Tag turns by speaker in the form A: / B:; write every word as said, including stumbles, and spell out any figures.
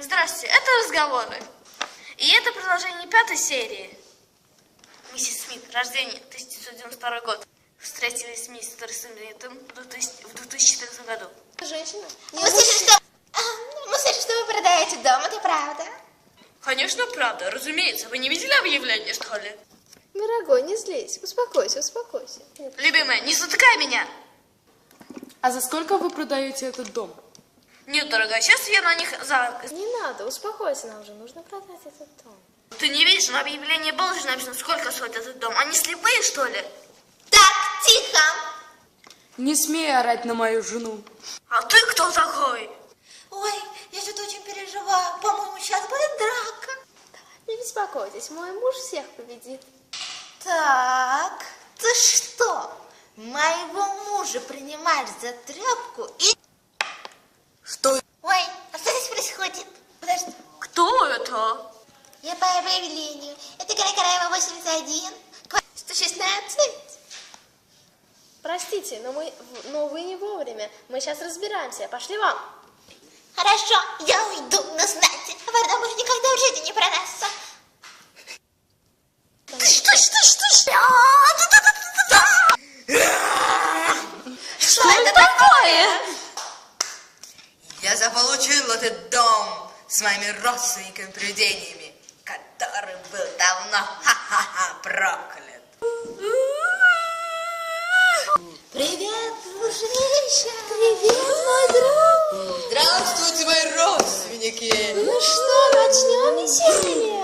A: Здравствуйте, это разговоры. И это продолжение пятой серии. Миссис Смит, рождение тысяча девятьсот девяносто второй год. Встретились с мистером Смитом в две тысячи четырнадцатом году.
B: Женщина?
C: Мы слышим, что... Мы слышим, что вы продаете дом, это правда?
A: Конечно, правда. Разумеется. Вы не видели объявление, что ли?
B: Дорогой, не злись. Успокойся, успокойся.
A: Любимая, не затыкай меня.
D: А за сколько вы продаете этот дом?
A: Нет, дорогая, сейчас я на них за...
B: Не надо, успокойся, нам же нужно продать этот дом.
A: Ты не видишь, на объявлении было же написано, сколько стоит этот дом. Они слепые, что ли?
C: Так, тихо.
D: Не смей орать на мою жену.
A: А ты кто такой?
C: Ой, я что-то очень переживаю. По-моему, сейчас будет драка.
B: Не беспокойтесь, мой муж всех победит.
C: Так, ты что, моего мужа принимаешь за тряпку и...
D: Что?
C: Ой, а что здесь происходит? Подожди.
A: Кто это?
C: Я по объявлению. Это Каракараева восемьдесят один, сто шестнадцать.
B: Простите, но, мы, но вы не вовремя. Мы сейчас разбираемся. Пошли вам.
C: Хорошо, я уйду, но знайте, вода уже никогда в жизни не продастся. Что, что, что, что? Что это такое?
E: Я заполучил этот дом с моими родственниками-привидениями, который был давно ха-ха-ха проклят.
C: Привет, дружище. Привет, мой друг.
E: Здравствуйте, мои родственники.
B: Ну что, начнем веселье?